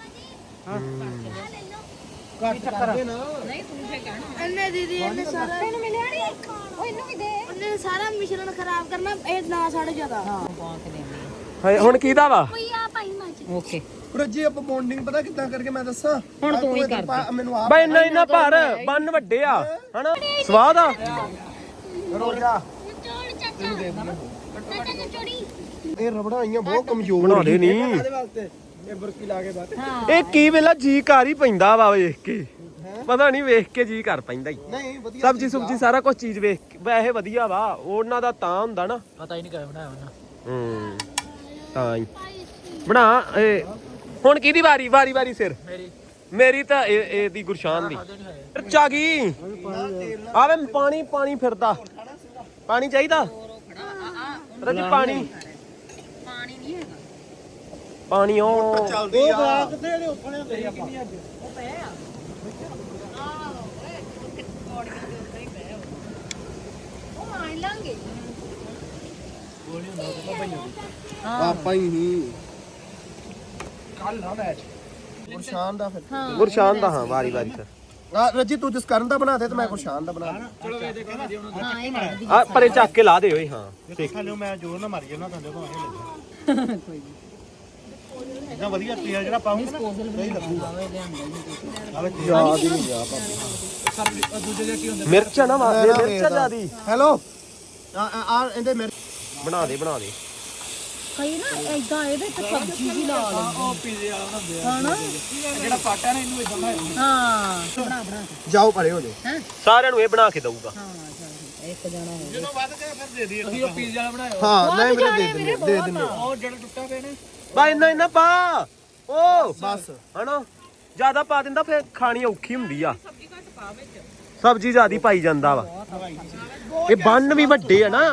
[SPEAKER 1] ਕੱਟ ਕਰਦੇ ਨਾ
[SPEAKER 3] ਨਹੀਂ ਤੂੰ ਫੇ ਕਹਿਣਾ
[SPEAKER 4] ਇਹਨੇ ਦੀਦੀ ਇਹਨੇ ਸਾਰਾ
[SPEAKER 3] ਤੈਨੂੰ ਮਿਲਿਆ ਨਹੀਂ ਉਹ ਇਹਨੂੰ ਵੀ ਦੇ
[SPEAKER 4] ਉਹਨੇ ਸਾਰਾ ਮਿਸ਼ਰਣ ਖਰਾਬ ਕਰਨਾ ਇਹ ਨਾ ਸਾਡੇ ਜ਼ਿਆਦਾ
[SPEAKER 3] ਹਾਂ ਪਾ ਕੇ ਦੇਣੀ
[SPEAKER 2] ਹਾਏ ਹੁਣ ਕਿਹਦਾ ਵਾ
[SPEAKER 4] ਕੋਈ ਆ ਭਾਈ ਮਾਚ
[SPEAKER 3] ਓਕੇ
[SPEAKER 1] ਰੱਜੀ ਆਪਾਂ ਬੌਂਡਿੰਗ ਪਤਾ ਕਿੱਦਾਂ ਕਰਕੇ ਮੈਂ ਦੱਸਾਂ
[SPEAKER 3] ਹੁਣ ਤੂੰ ਹੀ
[SPEAKER 1] ਆਹ
[SPEAKER 3] ਕਰ
[SPEAKER 1] ਪਾ- ਮੈਨੂੰ ਆਪ
[SPEAKER 2] ਬਈ ਇੰਨਾ ਇੰਨਾ ਭਾਰ ਬੰਨ ਵੱਡੇ ਆ ਹਨਾ ਸਵਾਦ ਆ
[SPEAKER 1] ਰੋਜਾ
[SPEAKER 4] ਚੋੜ ਚਾਚਾ ਚਾਚਾ ਨੂੰ ਚੋੜੀ
[SPEAKER 1] ਇਹ ਰਬੜਾਂ ਆਈਆਂ ਬਹੁਤ ਕਮਜ਼ੋਰ
[SPEAKER 2] ਬਣਾ ਦੇ ਨਹੀਂ
[SPEAKER 1] ਇਹਦੇ ਵਾਸਤੇ ਇਹ ਬੁਰਕੀ ਲਾ ਕੇ ਬਾਤ
[SPEAKER 3] ਹਾਂ
[SPEAKER 2] ਇਹ ਕੀ ਵੇਲਾ ਜੀ ਕਰ ਹੀ ਪੈਂਦਾ ਵਾ ਵੇਖ ਕੇ ਪਤਾ ਨਹੀਂ ਵੇਖ ਕੇ ਜੀ ਕਰ ਪੈਂਦਾ ਹੀ
[SPEAKER 1] ਨਹੀਂ ਵਧੀਆ
[SPEAKER 2] ਸਬਜੀ ਸੁਬਜੀ ਸਾਰਾ ਕੁਝ ਚੀਜ਼ ਵੇਖ ਕੇ ਵੈਸੇ ਵਧੀਆ ਵਾ ਉਹਨਾਂ ਦਾ ਤਾਂ ਹੁੰਦਾ ਨਾ
[SPEAKER 1] ਪਤਾ ਹੀ ਨਹੀਂ ਕਿਵੇਂ ਬਣਾਇਆ ਉਹਨਾਂ
[SPEAKER 2] ਹੂੰ ਤਾਂ ਹੀ ਬਣਾ ਇਹ ਹੁਣ ਕਿਹਦੀ ਵਾਰੀ ਵਾਰੀ ਵਾਰੀ ਸਿਰ
[SPEAKER 1] ਮੇਰੀ
[SPEAKER 2] ਮੇਰੀ ਤਾਂ ਇਹ ਇਹਦੀ ਗੁਰਸ਼ਾਨ ਦੀ ਮਿਰਚ ਆ ਗਈ ਆਵੇ ਪਾਣੀ ਪਾਣੀ ਫਿਰਦਾ ਪਾਣੀ ਚਾਹੀਦਾ ਰੱਜੀ ਪਾਣੀ
[SPEAKER 3] ਪਾਣੀ ਨਹੀਂ ਹੈਗਾ
[SPEAKER 2] ਪਾਣੀ ਉਹ
[SPEAKER 1] ਚੱਲਦੀ ਆ ਉਹ ਕਿੱਥੇ ਜਿਹੜੇ ਉੱਪਣੇ ਤੇ ਆਪਾਂ
[SPEAKER 3] ਉਹ ਪਿਆ ਆ ਆਹ ਓਏ ਪੌੜੀਆਂ ਦੇ ਉੱਤੇ ਹੀ ਪਿਆ ਉਹ ਮਾਰ ਲਾਂਗੇ
[SPEAKER 1] ਆਪਾਂ ਹੀ ਨਹੀਂ ਕੱਲ ਨਾ ਮੈਚ ਗੁਰਸ਼ਾਨ ਦਾ ਫਿਰ
[SPEAKER 2] ਗੁਰਸ਼ਾਨ ਦਾ ਹਾਂ ਵਾਰੀ ਵਾਰੀ ਸਰ
[SPEAKER 1] ਆ ਰੱਜੀ ਤੂੰ ਜਿਸ ਕਰਨ ਦਾ ਬਣਾ ਦੇ ਤੇ ਮੈਂ ਗੁਰਸ਼ਾਨ ਦਾ ਬਣਾ ਚਲੋ ਇਹ ਦੇਖੋ ਜੀ ਉਹਨਾਂ
[SPEAKER 3] ਹਾਂ ਇਹ ਮਾਰਦੀ
[SPEAKER 2] ਆ ਪਰੇ ਚੱਕ ਕੇ ਲਾ ਦੇ ਓਏ ਹਾਂ
[SPEAKER 1] ਦੇਖਾ ਲਿਓ ਮੈਂ ਜ਼ੋਰ ਨਾ ਮਾਰੀ ਜਾਣਾ ਤੁਹਾਨੂੰ ਭਾਵੇਂ ਲੱਗੇ
[SPEAKER 3] ਕੋਈ ਨਹੀਂ
[SPEAKER 1] ਇਦਾਂ ਵਧੀਆ ਤੇਲ ਜਿਹੜਾ ਪਾਉਂਗਾ
[SPEAKER 3] ਡਿਸਪੋਜ਼ਲ ਵੀ ਆਵੇ ਲਿਆਂਦਾ ਨਹੀਂ
[SPEAKER 1] ਆਵੇ ਯਾਦ ਹੀ ਨਹੀਂ ਆ ਪਾਪਾ ਦੂਜੇ ਦੇ ਕੀ ਹੁੰਦਾ
[SPEAKER 2] ਮਿਰਚ ਆ ਨਾ ਵਾ ਇਹ ਮਿਰਚ ਆ ਜਿਆਦੀ
[SPEAKER 1] ਹੈਲੋ ਆ ਆ ਇਹਦੇ ਮੇਰੇ
[SPEAKER 2] ਬਣਾ ਦੇ ਬਣਾ ਦੇ
[SPEAKER 3] ਕਈ ਨਾ ਏਦਾਂ ਇਹਦੇ ਤੇ ਸਬਜ਼ੀ ਵੀ ਲਾ ਲੈਂਦੇ
[SPEAKER 1] ਉਹ ਪੀਜ਼ੇ ਵਾਲਾ ਬਣਾਉਂਦੇ ਆ
[SPEAKER 3] ਹਨਾ
[SPEAKER 1] ਜਿਹੜਾ ਪਾਟਾ ਨਾ ਇਹਨੂੰ ਇਦਾਂ ਬਣਾਇਆ
[SPEAKER 3] ਹਾਂ ਬਣਾ ਬਣਾ ਕੇ
[SPEAKER 1] ਜਾਓ ਪਰੇ ਹੋ ਜਾਓ
[SPEAKER 3] ਹੈਂ
[SPEAKER 2] ਸਾਰਿਆਂ ਨੂੰ ਇਹ ਬਣਾ ਕੇ ਦਊਗਾ
[SPEAKER 3] ਹਾਂ ਚੱਲ ਇੱਕ ਜਣਾ ਹੋ
[SPEAKER 1] ਜਦੋਂ ਵੱਧ ਕੇ ਫਿਰ ਦੇ ਦਈਏ ਅਸੀਂ ਉਹ ਪੀਜ਼ੇ ਵਾਲਾ ਬਣਾਇਆ ਹਾਂ
[SPEAKER 3] ਨਹੀਂ
[SPEAKER 1] ਨਹੀਂ
[SPEAKER 3] ਵੀਰੇ,
[SPEAKER 1] ਵੀਰੇ ਦੇ ਦਿੰਦੇ ਦੇ ਦਿੰਦੇ
[SPEAKER 3] ਬਹੁਤ
[SPEAKER 1] ਉਹ ਜਿਹੜਾ ਟੁੱਟਾ ਪਿਆ ਨੇ
[SPEAKER 2] ਬਾ ਇੰਨਾ ਇੰਨਾ ਪਾ ਓ
[SPEAKER 1] ਬਸ
[SPEAKER 2] ਹਨਾ ਜਿਆਦਾ ਪਾ ਦਿੰਦਾ ਫਿਰ ਖਾਣੀ ਔਖੀ ਹੁੰਦੀ ਆ ਸਬਜ਼ੀ ਜਿਆਦੀ ਪਾਈ ਜਾਂਦਾ ਵਾ ਇਹ ਬੰਨ ਵੀ ਵੱਡੇ ਆ ਨਾ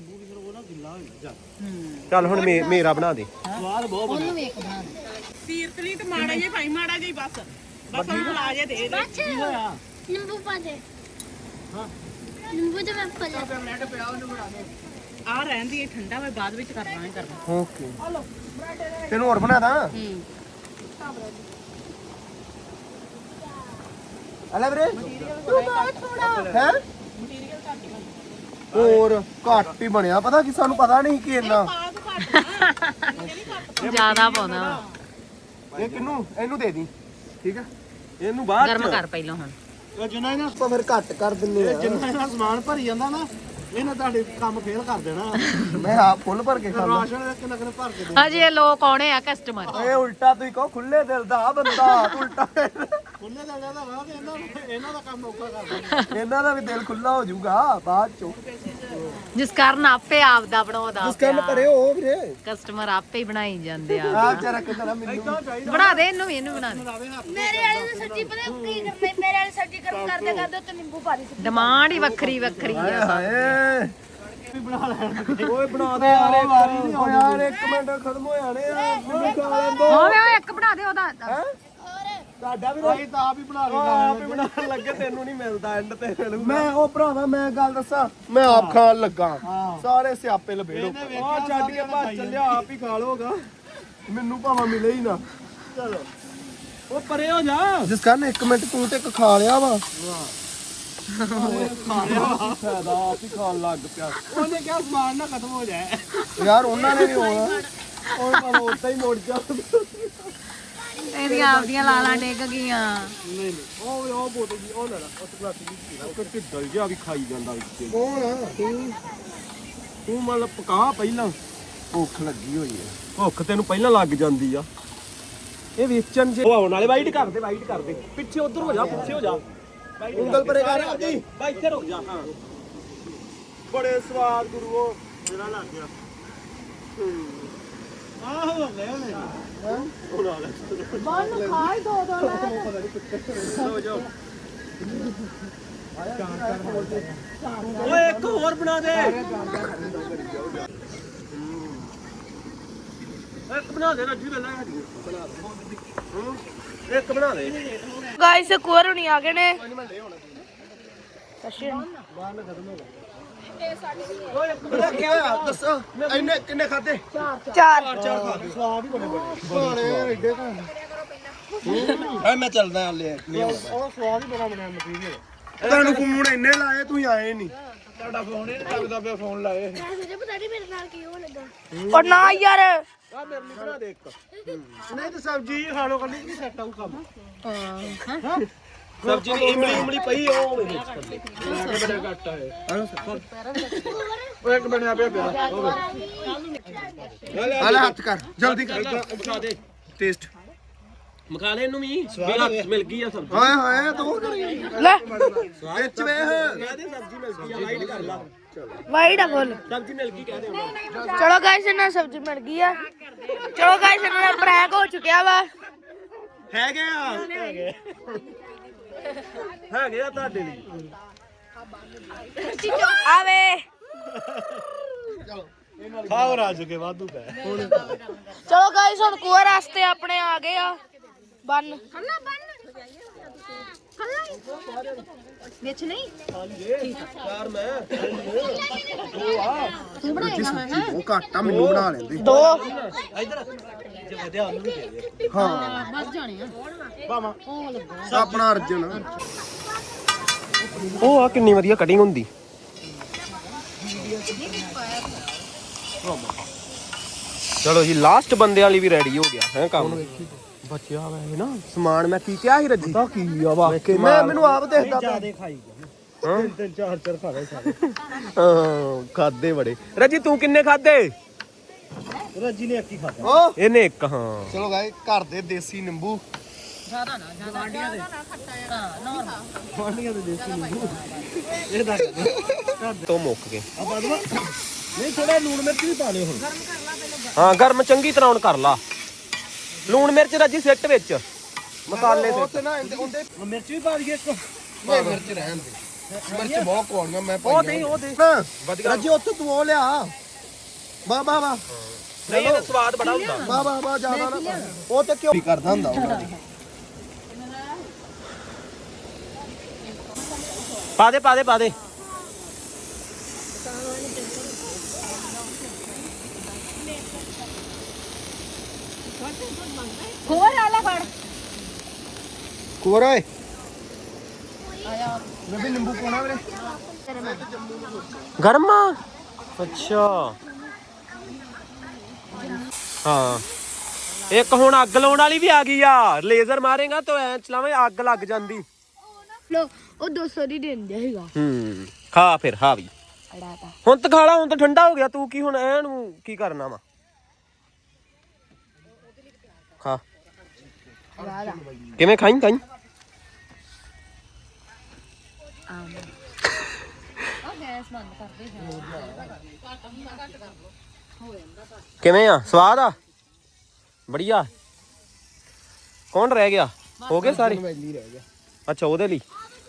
[SPEAKER 2] ਚੱਲ ਹੁਣ ਮੇ- ਮੇਰਾ ਬਣਾ ਦੇ
[SPEAKER 1] ਸਵਾਦ ਬਹੁਤ
[SPEAKER 3] ਉਹਨੂੰ ਵੀ ਇੱਕ ਬਣਾ ਦੇ
[SPEAKER 5] ਸੀਰਤਲੀ ਤੇ ਮਾੜਾ ਜਿਹਾ ਭਾਈ ਮਾੜਾ ਜਿਹਾ ਹੀ ਬਸ ਬਸ ਉਹਨੂੰ ਲਾ ਜੇ ਦੇ ਦੇ
[SPEAKER 4] ਨਿੰਬੂ ਪਾ ਦੇ ਹਾਂ ਨਿੰਬੂ ਤੇ ਮੈਂ ਪਾ
[SPEAKER 5] ਆ ਰਹਿੰਦੀ ਹੈ ਠੰਡਾ ਮੈਂ ਬਾਅਦ ਵਿੱਚ ਕਰਨਾ ਹੈ ਕਰਨਾ
[SPEAKER 1] ਓਕੇ ਤੈਨੂੰ ਹੋਰ ਬਣਾ ਦਾਂ
[SPEAKER 3] ਹੂੰ
[SPEAKER 1] ਅਲੇ ਵੀਰੇ
[SPEAKER 4] ਤੂੰ ਬਹੁਤ ਥੋੜਾ
[SPEAKER 1] ਹੈ ਹੋਰ ਘੱਟ ਹੀ ਬਣਿਆ ਪਤਾ ਕੀ ਸਾਨੂੰ ਪਤਾ ਨਹੀਂ ਕਿ ਇੰਨਾ
[SPEAKER 5] ਪਾ ਤੂੰ ਘੱਟ
[SPEAKER 3] ਜ਼ਿਆਦਾ ਪਾਉਣਾ
[SPEAKER 1] ਇਹ ਕਿਨੂੰ ਇਹਨੂੰ ਦੇ ਦੀ ਠੀਕ ਹੈ
[SPEAKER 2] ਇਹਨੂੰ ਬਾਅਦ
[SPEAKER 3] ਗਰਮ
[SPEAKER 2] ਚ
[SPEAKER 3] ਕਰ ਪਹਿਲਾਂ ਹੁਣ
[SPEAKER 1] ਇਹ ਜਿੰਨਾ ਇਹਨਾਂ ਆਪਾਂ ਫਿਰ ਘੱਟ ਕਰ ਦਿੰਨੇ ਆ ਜਿੰਨਾ ਇਹਨਾਂ ਸਮਾਨ ਭਰੀ ਜਾਂਦਾ ਨਾ ਇਹਨੇ ਤੁਹਾਡੇ ਕੰਮ ਫੇਲ ਕਰ ਦੇਣਾ ਮੈਂ ਆਪ ਫੁੱਲ ਭਰ ਕੇ ਖਾਂਦਾ ਰਾਸ਼ਨ ਕਿੰਨਾ ਕਿੰਨਾ ਭਰ ਕੇ
[SPEAKER 3] ਹਜੇ ਇਹ ਲੋਕ ਆਉਣੇ ਆ ਕਸਟਮਰ
[SPEAKER 1] ਓਏ ਉਲਟਾ ਤੁਸੀਂ ਕਹੋ ਖੁੱਲੇ ਦਿਲ ਦਾ ਆ ਬੰਦਾ ਉਲਟਾ ਖੁੱਲੇ ਦਿਲ ਦਾ ਵਾ ਤੇ ਇਹਨਾਂ ਇਹਨਾਂ ਦਾ ਕੰਮ ਔਖਾ ਕਰ ਦਿੰਦੇ ਇਹਨਾਂ ਦਾ ਵੀ ਦਿਲ ਖੁੱਲਾ ਹੋ ਜਾਊਗਾ ਬਾਅਦ ਚੋਂ
[SPEAKER 3] ਜਿਸ ਕਾਰਨ ਆਪੇ ਆਪਦਾ ਬਣਾਉਂਦਾ
[SPEAKER 1] ਜਿਸ ਕੰਮ ਕਰੇ ਹੋ ਵੀਰੇ
[SPEAKER 3] ਕਸਟਮਰ ਆਪੇ ਹੀ ਬਣਾਈ ਜਾਂਦੇ ਆ
[SPEAKER 1] ਆ ਵਿਚਾਰਾ ਕਿੰਨਾ ਮੈਨੂੰ
[SPEAKER 3] ਬਣਾ ਦੇ ਇਹਨੂੰ ਵੀ ਇਹਨੂੰ ਬਣਾ ਦੇ
[SPEAKER 4] ਮੇਰੇ ਵਾਲੇ ਨੂੰ ਸਬਜ਼ੀ ਪਤਾ ਕੀ ਕਰਨਾ ਮੇਰੇ ਵਾਲੇ ਸਬਜ਼ੀ ਗਰਮ ਕਰਦੇ ਕਰਦੇ ਉੱਤੇ ਨਿੰਬੂ ਪਾ ਦੇ
[SPEAKER 3] ਡਿਮਾਂਡ ਹੀ ਵੱਖਰੀ ਵੱਖਰੀ
[SPEAKER 1] ਹਾਏ
[SPEAKER 3] ਆ
[SPEAKER 1] ਹਾਏ ਵੀ ਬਣਾ ਲੈਣ ਓਏ ਬਣਾ ਦੇ ਯਾਰ ਇੱਕ ਵਾਰੀ ਨਹੀਂ ਹੋ ਯਾਰ ਇੱਕ ਮਿੰਟ ਖਤਮ ਹੋ ਜਾਣੇ ਆ ਮੈਨੂੰ ਖਾ ਲੈਣ ਦੋ
[SPEAKER 3] ਹੋਵੇ ਉਹ ਇੱਕ ਬਣਾ ਦੇ ਉਹਦਾ
[SPEAKER 1] ਤੁਹਾਡਾ ਵੀ ਰੋਈ ਤਾਂ ਆਪ ਹੀ ਬਣਾ ਲੈਣਾ ਆਪ ਹੀ ਬਣਾਉਣ ਲੱਗੇ ਤੈਨੂੰ ਨਹੀਂ ਮਿਲਦਾ ਐਂਡ ਤੇ ਮੈਂ ਉਹ ਭਰਾਵਾ ਮੈਂ ਗੱਲ ਦੱਸਾਂ ਮੈਂ ਆਪ ਖਾਣ ਲੱਗਾ ਸਾਰੇ ਸਿਆਪੇ ਲਬੇੜੋ ਆ ਛੱਡ ਕੇ ਭੱਜ ਚੱਲਿਆ ਆਪ ਹੀ ਖਾ ਲੋਗਾ ਮੈਨੂੰ ਭਾਵੇਂ ਮਿਲੇ ਹੀ ਨਾ ਚਲੋ ਉਹ ਪਰੇ ਹੋ ਜਾ ਜਿਸ ਕਾਰਨ ਇੱਕ ਮਿੰਟ ਤੂੰ ਤੇ ਇੱਕ ਖਾ ਲਿਆ ਵਾ ਖਾ ਲਿਆ ਫਾਇਦਾ ਆਪ ਹੀ ਖਾਣ ਲੱਗ ਪਿਆ ਉਹਨੇ ਕਿਹਾ ਸਮਾਨ ਨਾ ਖਤਮ ਹੋ ਜਾਏ ਯਾਰ ਉਹਨਾਂ ਨੇ ਵੀ ਹੋਣਾ ਉਹ ਭਾਵੇਂ ਉੱਦਾਂ ਹੀ ਮੁੜ ਜਾ
[SPEAKER 3] ਇਹਦੀਆਂ ਆਪਦੀਆਂ ਲਾਲਾਂ ਡਿੱਗ ਗਈਆਂ
[SPEAKER 1] ਨਹੀਂ ਨਹੀਂ ਉਹ ਉਹ ਬੋਤਲ ਜੀ ਉਹ ਲੈ ਲੈ ਉਸ ਗਲਾਸ ਦੀ ਪੀ ਲੈ ਕਿ ਡਲ ਜਿਹਾ ਵੀ ਖਾਈ ਜਾਂਦਾ ਵਿੱਚ ਕੌਣ ਆ ਤੂੰ ਤੂੰ ਮਤਲਬ ਪਕਾ ਪਹਿਲਾਂ ਭੁੱਖ ਲੱਗੀ ਹੋਈ ਹੈ
[SPEAKER 2] ਭੁੱਖ ਤੈਨੂੰ ਪਹਿਲਾਂ ਲੱਗ ਜਾਂਦੀ ਆ ਇਹ ਵੇਚਣ ਜੇ ਉਹ ਆਉਣ ਵਾਲੇ ਵਾਈਟ ਕਰ ਦੇ ਵਾਈਟ ਕਰ ਦੇ ਪਿੱਛੇ ਉਧਰ ਹੋ ਜਾ ਪਿੱਛੇ ਹੋ ਜਾ
[SPEAKER 1] ਉਂਗਲ ਪਰੇ ਕਰ ਜੀ
[SPEAKER 2] ਬਾ ਇੱਥੇ ਰੁਕ ਜਾ ਹਾਂ
[SPEAKER 1] ਬੜੇ ਸਵਾਦ ਗੁਰੂ ਉਹ ਜਿਹੜਾ ਲੱਗ ਗਿਆ ਆਹੋ ਲੈ ਲੈ ਹਾਂ ਉਹ ਲਾ ਲੈ
[SPEAKER 3] ਮਨ ਖਾਈ ਦੋ ਦੋ
[SPEAKER 1] ਲੋ ਜਾਓ
[SPEAKER 2] ਓਏ ਇੱਕ ਹੋਰ ਬਣਾ ਦੇ ਇੱਕ ਬਣਾ ਦੇ ਰੱਜੀ ਪਹਿਲਾਂ ਸਾਡੀ ਬਣਾ ਦੇ ਹੂੰ ਇੱਕ ਬਣਾ ਦੇ
[SPEAKER 4] ਗਾਇਸ ਕੋਰ ਹੁਣੀ ਆ ਗਏ ਨੇ
[SPEAKER 1] ਪਤਾ ਕੀ ਹੋਇਆ ਦੱਸੋ ਇੰਨੇ ਕਿੰਨੇ ਖਾਦੇ
[SPEAKER 4] ਚਾਰ
[SPEAKER 1] ਚਾਰ ਖਾ ਕੇ ਸਵਾਦ ਹੀ ਬੜੇ ਬੜੇ ਐਡੇ ਹਾਂ ਮੈਂ ਚੱਲਦਾ ਹਲੇ ਉਹ ਸਵਾਦ ਹੀ ਬੜਾ ਬਣਿਆ ਮਟੀਰੀਅਲ ਤੁਹਾਨੂੰ ਫੋਨ ਇੰਨੇ ਲਾਏ ਤੁਸੀਂ ਆਏ ਨਹੀਂ ਤੁਹਾਡਾ ਫੋਨ ਹੀ ਨਹੀਂ ਲੱਗਦਾ ਪਿਆ ਫੋਨ ਲਾਏ
[SPEAKER 4] ਪਤਾ ਨਹੀਂ ਮੇਰੇ ਨਾਲ ਕੀ ਹੋ ਲੱਗਾ ਉਹ ਨਾ ਯਾਰ
[SPEAKER 1] ਆ ਮੇਰੇ ਲਈ ਬਣਾ ਦੇ ਇੱਕ ਨਹੀਂ ਤੇ ਸਬਜ਼ੀ ਖਾ ਲੋ ਕੱਲੀ ਨਹੀਂ ਸੈੱਟ ਆਊ ਕੰਮ ਹਾਂ ਸਬਜ਼ੀ ਦੀ ਇਮਲੀ ਇਮਲੀ ਪਈ ਉਹ ਮਿਕਸ ਕਰ ਦੇ ਬੜਾ ਘੱਟ ਆਏ ਉਹ ਇੱਕ ਬਣਿਆ ਪਿਆ ਪਿਆ ਹਲੇ ਹੱਥ ਕਰ ਜਲਦੀ ਕਰ
[SPEAKER 2] ਬਣਾ ਦੇ
[SPEAKER 1] ਟੇਸਟ
[SPEAKER 2] ਮਖਾ ਲੈ ਇਹਨੂੰ ਵੀ ਵੀ ਮਿਲ ਗਈ ਆ ਸਬਜ਼ੀ
[SPEAKER 1] ਹਾਏ ਹਾਏ ਦੋ ਕਰੀ
[SPEAKER 4] ਲੈ
[SPEAKER 1] ਵਿੱਚ ਵੇਖ
[SPEAKER 2] ਕਹਦੇ ਸਬਜ਼ੀ ਮਿਲ ਗਈ ਆ ਲਾਈਟ ਕਰ ਲਾ
[SPEAKER 4] ਵਾਈਟ ਆ ਫੁੱਲ
[SPEAKER 2] ਸਬਜ਼ੀ ਮਿਲ ਗਈ ਕਹਦੇ ਹੁਣ
[SPEAKER 4] ਚਲੋ ਗਾਇਸ ਇਹਨਾਂ ਸਬਜ਼ੀ ਮਿਲ ਗਈ ਆ ਚਲੋ ਗਾਇਸ ਇਹਨਾਂ ਦਾ ਪ੍ਰੈਂਕ ਹੋ ਚੁੱਕਿਆ ਵਾ
[SPEAKER 1] ਹੈਗੇ ਆ ਹੈਗੇ ਹੈਗੇ ਆ ਤੁਹਾਡੇ ਲਈ
[SPEAKER 4] ਆਵੇ
[SPEAKER 1] ਖਾਓ ਰਾਜ ਕੇ ਵਾਧੂ ਪੈ
[SPEAKER 4] ਚਲੋ ਗਾਇਸ ਹੁਣ ਕੋਰ ਵਾਸਤੇ ਆਪਣੇ ਆ ਗਏ ਆ ਬੰਨ ਖੱਲਾ ਬੰਨ
[SPEAKER 3] ਵਿੱਚ ਨਹੀਂ
[SPEAKER 1] ਯਾਰ ਮੈਂ
[SPEAKER 3] ਤੂੰ ਬਣਾਏਗਾ ਹਾਂ
[SPEAKER 1] ਉਹ ਘੱਟ ਆ ਮੈਨੂੰ ਬਣਾ ਲੈਂਦੇ
[SPEAKER 4] ਦੋ
[SPEAKER 2] ਜੇ ਵਧਿਆ ਉਹਨੂੰ ਵੀ ਦੇ ਦੇ
[SPEAKER 1] ਹਾਂ
[SPEAKER 3] ਬਸ ਜਾਣੇ ਆ
[SPEAKER 1] ਬਾਵਾ ਆਪਣਾ ਅਰਜਨ
[SPEAKER 2] ਉਹ ਆ ਕਿੰਨੀ ਵਧੀਆ ਕਟਿੰਗ ਹੁੰਦੀ ਚਲੋ ਜੀ ਲਾਸਟ ਬੰਦੇ ਵਾਲੀ ਵੀ ਰੈਡੀ ਹੋ ਗਿਆ ਹੈ ਕੰਮ ਬਚਿਆ ਵਾ ਇਹ ਨਾ ਸਮਾਨ ਮੈਂ ਕੀ ਕਿਹਾ ਸੀ ਰੱਜੀ
[SPEAKER 1] ਤਾਂ ਕੀ ਆ ਵਾਕੇ ਮੈਂ ਮੈਨੂੰ ਆਪ ਦੇਖਦਾ ਪਿਆ
[SPEAKER 2] ਖਾਈ
[SPEAKER 1] ਹਾਂ ਤਿੰਨ ਚਾਰ ਚਾਰ ਖਾ ਰਹੇ ਸਾਰੇ
[SPEAKER 2] ਹਾਂ ਖਾਦੇ ਬੜੇ ਰੱਜੀ ਤੂੰ ਕਿੰਨੇ ਖਾਦੇ
[SPEAKER 1] ਰੱਜੀ ਨੇ ਇੱਕ ਹੀ ਖਾਦਾ ਓ
[SPEAKER 2] ਇਹਨੇ ਇੱਕ ਹਾਂ
[SPEAKER 1] ਚਲੋ ਗਾਇ ਘਰ ਦੇ ਦੇਸੀ ਨਿੰਬੂ
[SPEAKER 3] ਜ਼ਿਆਦਾ ਨਾ ਜ਼ਿਆਦਾ ਗਾਂਡੀਆਂ ਦੇ ਹਾਂ ਨੋਰਮਲ
[SPEAKER 1] ਗਾਂਡੀਆਂ ਦੇ ਦੇਸੀ ਨਿੰਬੂ ਇਹ ਦੱਸ
[SPEAKER 2] ਤੋਂ ਮੁੱਕ ਗਏ
[SPEAKER 1] ਆ ਬਾਦਵਾ ਨਹੀਂ ਥੋੜਾ ਲੂਣ ਮਿਰਚ ਵੀ ਪਾ ਲਿਓ ਹੁਣ
[SPEAKER 2] ਹਾਂ ਗਰਮ ਚੰਗੀ ਤਰ੍ਹਾਂ ਹੁਣ ਕਰ ਲਾ ਲੂਣ ਮਿਰਚ ਰੱਜੀ ਸਿੱਟ ਵਿੱਚ ਮਸਾਲੇ
[SPEAKER 1] ਉਹ
[SPEAKER 2] ਸਿੱਟ
[SPEAKER 1] ਤੇ ਨਾ ਉਹਦੇ ਮਿਰਚ ਵੀ ਪਾ ਦਈਏ ਇੱਕ ਨਹੀਂ ਮਿਰਚ ਰਹਿਣ ਦੇ ਮਿਰਚ ਬਹੁਤ ਕੋਣੀਆਂ ਮੈਂ
[SPEAKER 2] ਉਹ ਦੇ ਉਹ ਦੇ
[SPEAKER 1] ਵਧੀਆ ਰੱਜੀ ਉੱਥੇ ਤੂੰ ਉਹ ਲਿਆ ਵਾਹ ਵਾਹ ਵਾਹ
[SPEAKER 2] ਨਹੀਂ ਇਹਦਾ ਸਵਾਦ ਬੜਾ ਹੁੰਦਾ
[SPEAKER 1] ਵਾਹ ਵਾਹ ਵਾਹ ਜ਼ਿਆਦਾ ਨਾ ਉਹ ਤੇ ਕਿਉਂ ਕਰਦਾ ਹੁੰਦਾ ਉਹ
[SPEAKER 2] ਪਾ ਦੇ ਪਾ ਦੇ ਪਾ ਦੇ
[SPEAKER 3] ਹੋਰ ਆਲਾ ਫੜ
[SPEAKER 1] ਕੋਰ ਓਏ ਮੈਂ ਵੀ ਨਿੰਬੂ ਪਾਉਣਾ ਵੀਰੇ
[SPEAKER 2] ਗਰਮ ਆ ਅੱਛਾ ਹਾਂ ਇੱਕ ਹੁਣ ਅੱਗ ਲਾਉਣ ਵਾਲੀ ਵੀ ਆ ਗਈ ਆ ਲੇਜ਼ਰ ਮਾਰੇਗਾ ਤਾਂ ਐ ਚਲਾਵੇਂ ਅੱਗ ਲੱਗ ਜਾਂਦੀ
[SPEAKER 4] ਲੋ ਉਹ ਦੋ ਸੌ ਦੀ ਦਿੰਦੇ ਹੈਗਾ
[SPEAKER 2] ਹੂੰ ਖਾ ਫਿਰ ਹਾਂ ਵੀ
[SPEAKER 4] ਅੜਾਤਾ
[SPEAKER 2] ਹੁਣ ਤਾਂ ਖਾ ਲਾ ਹੁਣ ਤਾਂ ਠੰਡਾ ਹੋ ਗਿਆ ਤੂੰ ਕੀ ਹੁਣ ਐ ਨੂੰ ਕੀ ਕਰਨਾ ਵਾ ਖਾ
[SPEAKER 4] ਵਾਦਾ
[SPEAKER 2] ਕਿਵੇਂ ਖਾਈ ਖਾਈ
[SPEAKER 3] ਆ ਗੈਸ ਬੰਦ ਕਰ ਦੇ
[SPEAKER 2] ਕਿਵੇਂ ਆ ਸਵਾਦ ਆ ਬੜੀਆ ਕੌਣ ਰਹਿ ਗਿਆ ਹੋ ਗਏ ਸਾਰੇ
[SPEAKER 1] ਵੈਲੀ ਰਹਿ ਗਿਆ
[SPEAKER 2] ਅੱਛਾ ਉਹਦੇ ਲਈ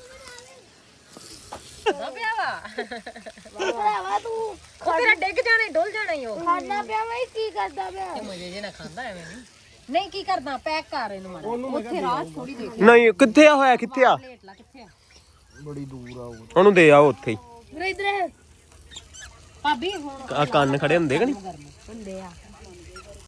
[SPEAKER 3] ਦਾ ਪਿਆ ਵਾ
[SPEAKER 4] ਭਰਾਵਾ ਤੂੰ
[SPEAKER 3] ਉਹ ਤੇਰਾ ਡਿੱਗ ਜਾਣਾ ਈ, ਡੁੱਲ ਜਾਣਾ ਈ ਉਹ
[SPEAKER 4] ਖਾਣਾ ਪਿਆ ਮੈਂ ਕੀ ਕਰਦਾ ਪਿਆ
[SPEAKER 3] ਤੇ ਮਜੇ ਜੇ ਨਾ ਖਾਂਦਾ ਐਵੇਂ ਨਹੀਂ ਨਹੀਂ ਕੀ ਕਰਦਾ ਪੈਕ ਕਰ ਇਹਨੂੰ ਮਾੜਾ ਉੱਥੇ ਰਾਹ ਥੋੜੀ ਦੇਖ
[SPEAKER 2] ਨਹੀਂ ਕਿੱਥੇ ਆ ਹੋਇਆ ਕਿੱਥੇ ਆ
[SPEAKER 3] ਪਲੇਟ ਲਾ ਕਿੱਥੇ ਆ
[SPEAKER 1] ਬੜੀ ਦੂਰ ਆ ਉਹ
[SPEAKER 2] ਉਹਨੂੰ ਦੇ ਆਓ ਉੱਥੇ ਹੀ
[SPEAKER 4] ਵੀਰੇ ਇਧਰ
[SPEAKER 3] ਭਾਬੀ ਹੁਣ
[SPEAKER 2] ਆ ਕੰਨ ਖੜੇ ਹੁੰਦੇ ਕਿ ਨਹੀਂ
[SPEAKER 4] ਹੁੰਦੇ ਆ